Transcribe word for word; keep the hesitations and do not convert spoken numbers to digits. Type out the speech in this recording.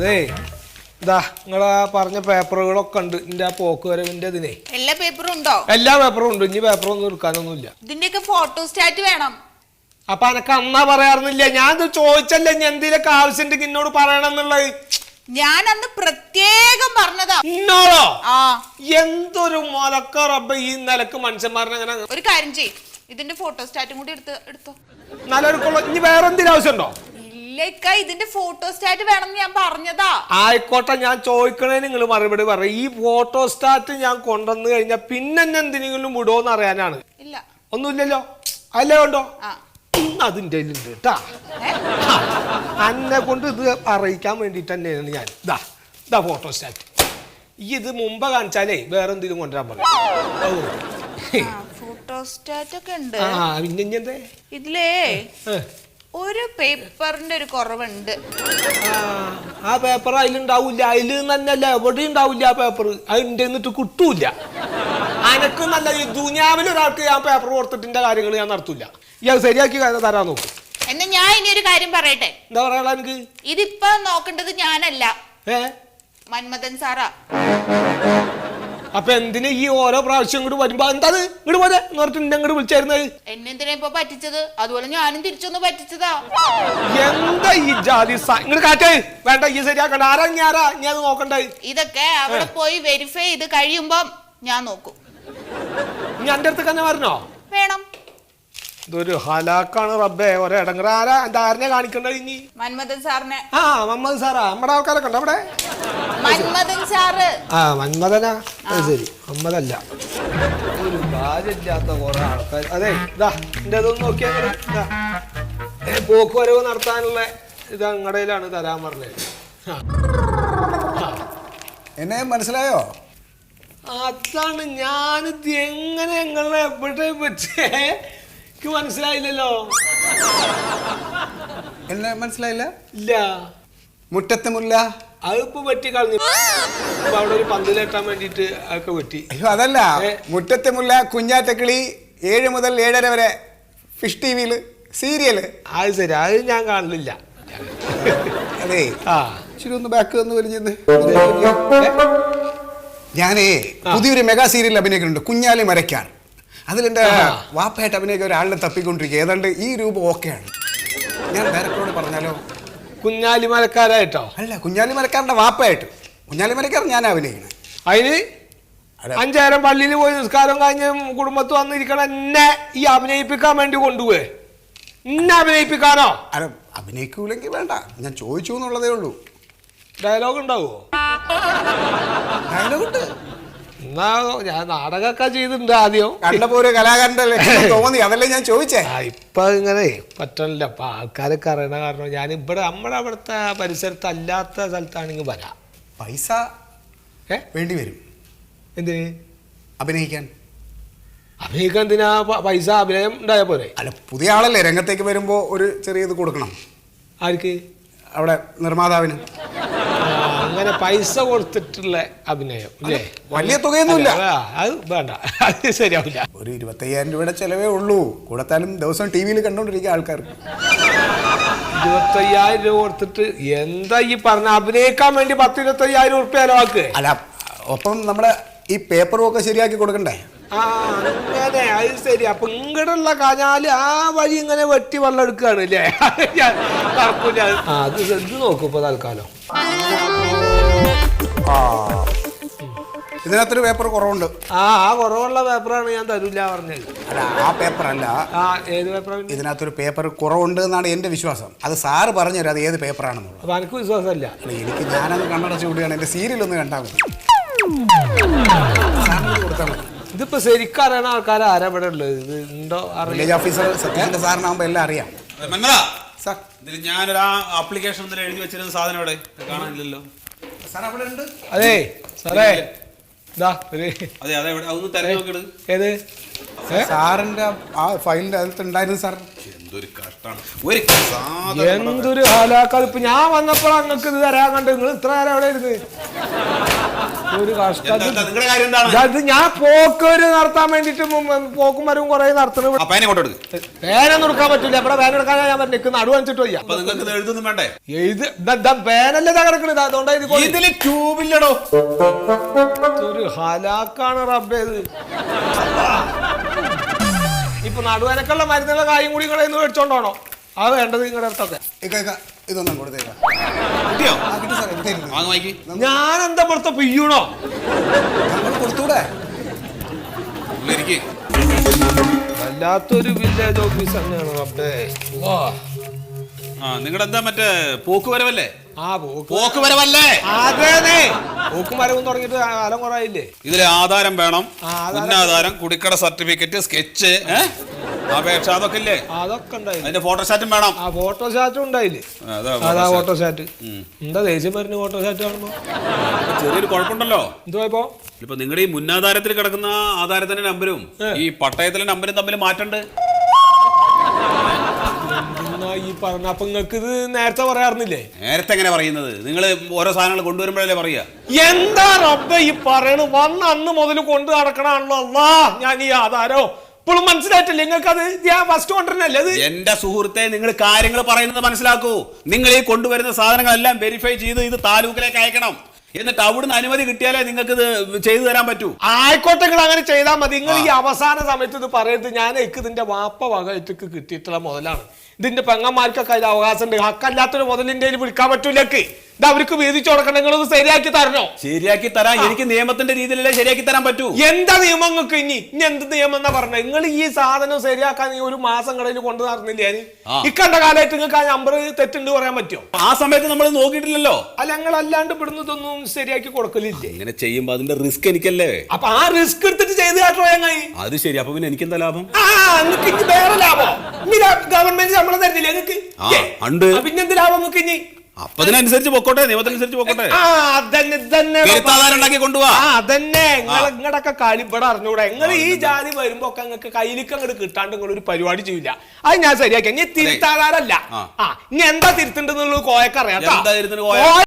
അതെ ഇതാ നിങ്ങളാ പറഞ്ഞ പേപ്പറുകളൊക്കെ ഉണ്ട് എന്റെ ആ പോക്ക് വരവിന്റെ ഇതിനെ. എല്ലാ പേപ്പറും ഉണ്ടോ? എല്ലാ പേപ്പറും ഉണ്ട്. ഇനി പേപ്പറൊന്നും എടുക്കാനൊന്നുമില്ല. ഇതിന്റെയൊക്കെ ഫോട്ടോ സ്റ്റാറ്റ് വേണം. അപ്പൊ എനക്ക് അന്നാ പറയാറുന്നില്ല. ഞാൻ ഇത് ചോദിച്ചല്ലേ ഞാൻ എന്തെങ്കിലുമൊക്കെ ആവശ്യമുണ്ടെങ്കിൽ എന്നോട് പറയണം എന്നുള്ളത്. ഞാൻ അന്ന് പ്രത്യേകം പറഞ്ഞതാ. ഇന്നോളോ? ആ എന്തൊരു മുലക്ക റബ്ബ ഈ നിലക്ക് മനുഷ്യന്മാരനെ അങ്ങനെ. ഒരു കാര്യം ചെയ്യ്, ഇതിന്റെ ഫോട്ടോ സ്റ്റാറ്റും കൂടി എടുത്ത് എടുത്തോ. നല്ലൊരുക്കുള്ള ഇനി വേറെ എന്തെങ്കിലും ആവശ്യമുണ്ടോ? ഇല്ലേക്ക, ഇതിന്റെ ഫോട്ടോ സ്റ്റാറ്റ് വേണം ഞാൻ പറഞ്ഞതാ. ആയിക്കോട്ടെ, ഞാൻ ചോദിക്കണേ നിങ്ങൾ മറുപടി പറയും. ഈ ഫോട്ടോ സ്റ്റാറ്റ് ഞാൻ കൊണ്ടുവന്നു കഴിഞ്ഞാൽ പിന്നെ എന്നെ എന്തിനെങ്കിലും വിടുമോന്ന് അറിയാനാണ്. ഇല്ല ഒന്നുമില്ലല്ലോ, അല്ലേ ഉണ്ടോ? ആ അതിൻ്റെ ഉണ്ട് കേട്ടാ. എന്നെ കൊണ്ട് ഇത് അറിയിക്കാൻ വേണ്ടിട്ട് തന്നെയാണ് ഞാൻ. ഇതാ ഇതാ ഫോട്ടോ സ്റ്റാറ്റ്. ഈ ഇത് മുമ്പ് കാണിച്ചാലേ വേറെ എന്തെങ്കിലും കൊണ്ടുവരാൻ പറയും. ഫോട്ടോ സ്റ്റാറ്റ് ഒക്കെ ഉണ്ട്. ആ പിന്നെ ഇനി എന്തേ ഇതിലേ ഒരു പേപ്പറിന്റെ ഒരു കുറവുണ്ട്. ആ പേപ്പർ അതിലുണ്ടാവില്ല. അതിൽ തന്നെയല്ല എവിടെ ഉണ്ടാവില്ല ആ പേപ്പർ. അതിൻ്റെ എന്നിട്ട് കിട്ടൂല. അനക്ക് നല്ല ഈ ദുനിയാവിൽ ഒരാൾക്ക് ഞാൻ പേപ്പർ കൊടുത്തിട്ടിന്റെ കാര്യങ്ങൾ ഞാൻ നടത്തൂല. ഇയാൾ ശരിയാക്കി തരാൻ നോക്കും. എന്നാ ഞാൻ ഇനി ഒരു കാര്യം പറയട്ടെ. എന്താ പറയാ എനിക്ക്? ഇതിപ്പോ നോക്കേണ്ടത് ഞാനല്ല, ഏ മന്മഥൻ സാറാ. അപ്പൊ എന്തിനാ ഈ ഓരോ പ്രാവശ്യം ഇങ്ങോട്ട് വരുമ്പോ എന്താ ഇങ്ങോട്ട് പോലെ പറഞ്ഞിട്ട് ഇങ്ങോട്ട് വിളിച്ചായിരുന്നത്? എന്നെ എന്തിനാ ഇപ്പൊ പറ്റിച്ചത്? അതുപോലെ ഞാനും തിരിച്ചൊന്ന് പറ്റിച്ചതാ. എന്താ ഈ ജാതി ഇങ്ങോട്ട് കാറ്റേ വേണ്ട. ഈ ശരിയാക്കണ്ട. ആരാ ഞാരാ നീ അത് നോക്കണ്ടേ? ഇതൊക്കെ അവിടെ പോയി വെരിഫൈ ചെയ്ത് കഴിയുമ്പോ ഞാൻ നോക്കും. നീ എന്റെ അടുത്ത് തന്നെ വരണോ? വേണം. ഇതൊരു ഹലാക്കാണ് റബ്ബേ. ഒരേ ഇടങ്ങറ. ആരാ എന്റെ ആരനെ കാണിക്കണ്ടത് ഇനി? മന്മഥൻ സാറിനെ. ആ മന്മഥൻ സാറാ? നമ്മുടെ ആൾക്കാരൊക്കെ ഉണ്ട് അവിടെ. മന്മഥൻ സാറ്. ആ മന്മഥനാ? ശരി, മന്മഥല്ല. ഒരു കാര്യമില്ലാത്ത കുറെ ആൾക്കാർ. അതെ ഇതാ എന്റെ അതൊന്നും നോക്കിയാൽ പോക്ക് വരവ് നടത്താനുള്ള ഇത് അങ്ങടയിലാണ് തരാൻ പറഞ്ഞത്. എന്നെ മനസ്സിലായോ? അതാണ് ഞാനിത് എങ്ങനെ എങ്ങനെ എവിടെ വെച്ചേ മനസ്സിലായില്ലല്ലോ. എന്നെ മനസ്സിലായില്ല? ഇല്ല. മുറ്റത്തെ മുല്ല അതിപ്പോ വെട്ടി കളഞ്ഞു. അവിടെ ഒരു പന്തിലെട്ടാൻ വേണ്ടിട്ട് അതൊക്കെ വെട്ടി. അയ്യോ അതല്ല, മുറ്റത്തെ മുല്ല, കുഞ്ഞാറ്റക്കിളി, ഏഴ് മുതൽ ഏഴര വരെ ഫിഷ് ടി വിയില് സീരിയല്. അത് ശരി, അത് ഞാൻ കാണലില്ല. അതെ ആ ശരി, ഒന്ന് ബാക്ക് വന്ന് വലിഞ്ഞത്. ഞാനേ പുതിയൊരു മെഗാ സീരിയൽ അഭിനയിക്കുന്നുണ്ട്, കുഞ്ഞാലി മരയ്ക്കാർ. അതിലെന്റെ വാപ്പയായിട്ട് അഭിനയിക്കാൻ ഒരാളിനെ തപ്പിക്കൊണ്ടിരിക്കുക. ഏതാണ്ട് ഈ രൂപം ഓക്കെയാണ്. ഞാൻ ഡയറക്ടറോട് പറഞ്ഞാലോ? കുഞ്ഞാലി മരക്കാരായിട്ടോ? അല്ല, കുഞ്ഞാലി മരക്കാരന്റെ വാപ്പയായിട്ട്. കുഞ്ഞാലി മരക്കാരൻ ഞാൻ അഭിനയിക്കണേ. അതിന് അഞ്ചായിരം പള്ളിയിൽ പോയി നിസ്കാരം കഴിഞ്ഞ് കുടുംബത്ത് വന്നിരിക്കണ എന്നെ ഈ അഭിനയിപ്പിക്കാൻ വേണ്ടി കൊണ്ടുപോയി. എന്നെ അഭിനയിപ്പിക്കാനോ? അല്ല, അഭിനയിക്കൂലെങ്കിൽ വേണ്ട, ഞാൻ ചോദിച്ചു എന്നുള്ളതേ ഉള്ളൂ. ഡയലോഗ് ഉണ്ടാവോ? ഡയലോഗ് ഉണ്ട്. എന്നാ ഞാൻ നാടകമൊക്കെ ചെയ്തിട്ടുണ്ട് ആദ്യം. കണ്ടപ്പോ ഒരു കലാകാരന്റെ ലക്ഷണം തോന്നി, അതല്ലേ ഞാൻ ചോദിച്ചേ. ഇപ്പൊ ഇങ്ങനെ പറ്റണില്ല. അപ്പൊ ആൾക്കാരൊക്കെ അറിയണ കാരണം ഞാൻ ഇവിടെ നമ്മുടെ അവിടുത്തെ പരിസരത്ത് അല്ലാത്ത സ്ഥലത്താണെങ്കിൽ വരാം. പൈസ ഏ വേണ്ടി വരും. എന്തിന് അഭിനയിക്കാൻ? അഭിനയിക്കാൻ എന്തിനാ പൈസ? അഭിനയം ഉണ്ടായ പോലെ. അല്ല, പുതിയ ആളല്ലേ, രംഗത്തേക്ക് വരുമ്പോ ഒരു ചെറിയ ഇത് കൊടുക്കണം. ആർക്ക്? അവിടെ നിർമ്മാതാവിന്. അങ്ങനെ പൈസ കൊടുത്തിട്ടുള്ള അഭിനയം അല്ലേ? വലിയ തുകയൊന്നുമില്ല. അത് വേണ്ട, അത് ശരിയാവില്ല. ഒരു ഇരുപത്തയ്യായിരം രൂപയുടെ ചെലവേ ഉള്ളൂ. കൂടത്താലും ദിവസം ടി വിയിൽ കണ്ടോണ്ടിരിക്കുക ആൾക്കാർ. ഇരുപത്തയ്യായിരം രൂപ കൊടുത്തിട്ട് എന്താ ഈ പറഞ്ഞ? അഭിനയിക്കാൻ വേണ്ടി പത്ത് ഇരുപത്തയ്യായിരം ഉറുപ്പ്യ ചെലവാക്ക്. അല്ല, ഒപ്പം നമ്മുടെ ഈ പേപ്പറും ഒക്കെ ശരിയാക്കി കൊടുക്കണ്ടേ? ആ അങ്ങനെ, അത് ശരി. അപ്പൊ ഇങ്ങടുള്ള കനാല് ആ വഴി ഇങ്ങനെ വെട്ടി വെള്ളം എടുക്കുകയാണ് അല്ലേ? തറക്കൂല. ആ അത് ഇത് നോക്കൂ ഇപ്പൊ തൽക്കാലം. ആ ഇതിനകത്തൊരു പേപ്പർ കുറവുണ്ട്. ആ ആ കുറവുള്ള പേപ്പറാണ് ഞാൻ തരൂല പറഞ്ഞത്. അല്ല, ആ പേപ്പർ അല്ല. ആ ഏത് പേപ്പറാണ്? ഇതിനകത്തൊരു പേപ്പർ കുറവുണ്ട് എന്നാണ് എന്റെ വിശ്വാസം. അത് സാറ് പറഞ്ഞുതരാം അത് ഏത് പേപ്പറാണെന്നുള്ളത്. അപ്പൊ എനിക്ക് വിശ്വാസമല്ല. അല്ല, എനിക്ക് ഞാനത് കണ്ണടച്ച് കൂടിയാണ്. എന്റെ സീരിയൽ ഒന്ന് കണ്ടാൽ മതി. കൊടുത്താൽ മതി. ഇതിപ്പോ ശരിക്കും അറിയണ ആൾക്കാർ ആരാ ഇവിടെ ഉള്ളത്? ഇത് ഉണ്ടോ? വില്ലേജ് ഓഫീസർ സത്യത്തിന്റെ സാറിനാകുമ്പോ എല്ലാം അറിയാം. സാർ, ഇതിൽ ഞാനൊരു ആപ്ലിക്കേഷൻ എഴുതി വെച്ചിരുന്ന സാധനം ഇവിടെ കാണാനില്ലല്ലോ. സാർ അവിടെ ഉണ്ട്. അതെ സാറേ, അതെ അതെ, ഒന്ന് തിരഞ്ഞു നോക്കിയിട്ട്. ഏത് സാറിന്റെ ആ ഫയലിന്റെ അകത്ത് ഉണ്ടായിരുന്നു സാർ. എന്തൊരു കഷ്ടാണ്. ഒരു സാധനം എന്തൊരു ഹാലാക്കാൽ ഇപ്പൊ ഞാൻ വന്നപ്പോൾ അങ്ങക്ക് ഇത് തരാൻ കണ്ട് നിങ്ങൾ ഇത്ര നേരം എവിടെ ഇരുന്ന് ഒരു കഷ്ടം. എന്താ- എന്താ നിങ്ങളുടെ കാര്യം എന്താണ്? അത് ഞാൻ പോക്കൊരു നടത്താൻ വേണ്ടിട്ട് പോക്കും വരവും കുറെ നടത്തണം. ആ പേന കൊണ്ടെടുക്ക്. പേനൊന്നും എടുക്കാൻ പറ്റില്ല. ഇവിടെ പേന എടുക്കാൻ ഞാൻ പറഞ്ഞു നടു വന്നിട്ട് വയ്യ. അപ്പൊ നിങ്ങൾക്ക് ഇത് എഴുതൊന്നും വേണ്ടേ? എഴുത് പേനല്ലേ തകർക്കണത് അതുകൊണ്ടായിരിക്കും. ഇതില് ട്യൂബില്ലടോ. ഒരു ഹലാക്കാണ് റബ്ബേത്. ഇപ്പൊ നടുവനക്കുള്ള മരുന്നുള്ള കായും കൂടി നിങ്ങളെ മേടിച്ചോണ്ടോണോ? അത് വേണ്ടത് നിങ്ങളുടെ അടുത്തൊക്കെ. ഇക്ക, ഇക്ക, ഇതൊന്നും കൊടുത്തേക്കാം. കിട്ടിയോ? ആ, കിട്ടി സാറേ, എടുത്തായിരുന്നു. വാങ്ങ് വായിക്ക്. ഞാൻ എന്താ പുറത്ത് പിയ്യണോ? നമ്മൾ കൊടുത്തൂടെ? ഇരിക്ക്. വല്ലാത്തൊരു വില്ലേജ് ഓഫീസ് തന്നെയാണ് റബ്ബേ. വാ. ആ നിങ്ങളുടെ എന്താ മറ്റേ പോക്കുവരവല്ലേ? ആ പോക്ക് പോക്കുവരവല്ലേ? അതേനെ പോക്കും വരവും തുടങ്ങിയിട്ട് കാലം കുറയില്ലേ. ഇതിലെ ആധാരം വേണം, ആ, ആധാരം. മുന്നാധാരം, കുടിക്കട സർട്ടിഫിക്കറ്റ്, സ്കെച്ച്, അപേക്ഷ, അതൊക്കെ ഇല്ലേ? അതൊക്കെ ഉണ്ടായില്ലേ. അതിന്റെ ഫോട്ടോസ്റ്റാറ്റും വേണം. ആ ഫോട്ടോസ്റ്റാറ്റും ഉണ്ടായില്ലേ. അതാ അതാ ഫോട്ടോസ്റ്റാറ്റ്. ഫോട്ടോസ്റ്റാറ്റ്. എന്താ ദേഷ്യം വരുന്ന ഫോട്ടോസ്റ്റാറ്റ് കാണുമ്പോ? ഇപ്പൊ ചെറിയൊരു കുഴപ്പമുണ്ടല്ലോ. എന്തുവാ ഇപ്പൊ? ഇപ്പൊ നിങ്ങളുടെ ഈ മുന്നാധാരത്തിൽ കിടക്കുന്ന ആധാരത്തിന്റെ നമ്പരും ഈ പട്ടയത്തിലെ നമ്പരും തമ്മിൽ മാറ്റണ്ട്. എന്നാ ഈ പറഞ്ഞ അപ്പൊ നിങ്ങക്ക് ഇത് നേരത്തെ പറയാറുന്നില്ലേ? നേരത്തെ എങ്ങനെ പറയുന്നത്? നിങ്ങൾ ഓരോ സാധനങ്ങൾ കൊണ്ടുവരുമ്പോഴല്ലേ പറയാ. എന്താ റബ്ബേ ഈ പറയണു? വന്ന അന്ന് മുതൽ കൊണ്ട് നടക്കണാണല്ലോ. അല്ലാ ഞാൻ ഈ ആധാരോ ഇപ്പോഴും മനസ്സിലായിട്ടില്ല നിങ്ങൾക്ക്? അത് ഞാൻ ഫസ്റ്റ് കൊണ്ടുവരുന്നല്ലേ അത്? എന്റെ സുഹൃത്തെ, നിങ്ങൾ കാര്യങ്ങൾ പറയുന്നത് മനസ്സിലാക്കൂ. നിങ്ങൾ ഈ കൊണ്ടുവരുന്ന സാധനങ്ങളെല്ലാം വെരിഫൈ ചെയ്ത് ഇത് താലൂക്കിലേക്ക് അയക്കണം. എന്നിട്ട് അവിടുന്ന് അനുമതി കിട്ടിയാലേ നിങ്ങൾക്ക് ഇത് ചെയ്തു തരാൻ പറ്റൂ. ആയിക്കോട്ടെ, നിങ്ങൾ അങ്ങനെ ചെയ്താൽ മതി. നിങ്ങൾ ഈ അവസാന സമയത്ത് ഇത് പറയരുത്. ഞാൻ എനിക്ക് ഇതിന്റെ വാപ്പ വകയിട്ട് കിട്ടിയിട്ടുള്ള മുതലാണ്. ഇതിന്റെ പെങ്ങന്മാർക്കൊക്കെ അതിൽ അവകാശം ഉണ്ട്. ഹക്കല്ലാത്തൊരു മുതലിന്റെ വിളിക്കാൻ പറ്റൂലേക്ക്. ഇത് അവർക്ക് വീതിച്ചു കൊടുക്കണം. നിങ്ങളത് ശരിയാക്കി തരണോ? ശരിയാക്കി തരാൻ എനിക്ക് നിയമത്തിന്റെ രീതിയിലല്ലേ ശരിയാക്കി തരാൻ പറ്റൂ. എന്താ നിയമങ്ങൾക്ക് ഇനി ഇനി എന്ത് നിയമം എന്നാ പറഞ്ഞത്? നിങ്ങൾ ഈ സാധനം ശരിയാക്കാൻ ഈ ഒരു മാസം കടയിൽ കൊണ്ടു നടന്നില്ല. ഞാൻ ഇക്കണ്ട കാലമായിട്ട് നിങ്ങൾക്ക് ആ നമ്പർ തെറ്റുണ്ട് പറയാൻ പറ്റുമോ? ആ സമയത്ത് നമ്മൾ നോക്കിയിട്ടില്ലല്ലോ. അല്ല ഞങ്ങൾ അല്ലാണ്ട് ഇവിടുന്ന് ഇതൊന്നും ശരിയാക്കി കൊടുക്കലില്ലേ? ഇങ്ങനെ ചെയ്യുമ്പോ അതിന്റെ റിസ്ക് എനിക്കല്ലേ. അപ്പൊ ആ റിസ്ക് എടുത്തിട്ട് ചെയ്ത് കാട്ടോ ഞങ്ങൾ. അത് ശരി. അപ്പൊ പിന്നെ എനിക്ക് എന്താ ലാഭം? ആ നിങ്ങൾക്ക് ഇനി വേറെ ലാഭം. ഇനി ഗവൺമെന്റ് ശമ്പളം തരുന്നില്ല നിങ്ങൾക്ക്? ആ, ഉണ്ട്. പിന്നെന്ത് ലാഭം നിങ്ങൾക്ക് ഇനി? അപ്പൊ അതിനനുസരിച്ച് പൊക്കോട്ടെ, നിയമത്തിനനുസരിച്ച് പൊക്കോട്ടെ. ആ അതന്നെ തന്നെ തിരുത്താധാരം ഉണ്ടാക്കി കൊണ്ടുപോവാ. ആ അതന്നെ നിങ്ങൾ നിങ്ങളൊക്കെ കളി ഇവിടെ അറിഞ്ഞൂടെ? നിങ്ങൾ ഈ ജാതി വരുമ്പോ ഒക്കെ നിങ്ങൾക്ക് കയ്യിലേക്ക് അങ്ങോട്ട് കിട്ടാണ്ട് നിങ്ങൾ ഒരു പരിപാടി ചെയ്യില്ല. അത് ഞാൻ ശരിയാക്കി. ഇനി തിരുത്താധാരല്ല. ആ ഇനി എന്താ തിരുത്തേണ്ടതെന്നുള്ളത് കോയക്കറിയാം. എന്താ തിരുത്തുന്നത് കോയ?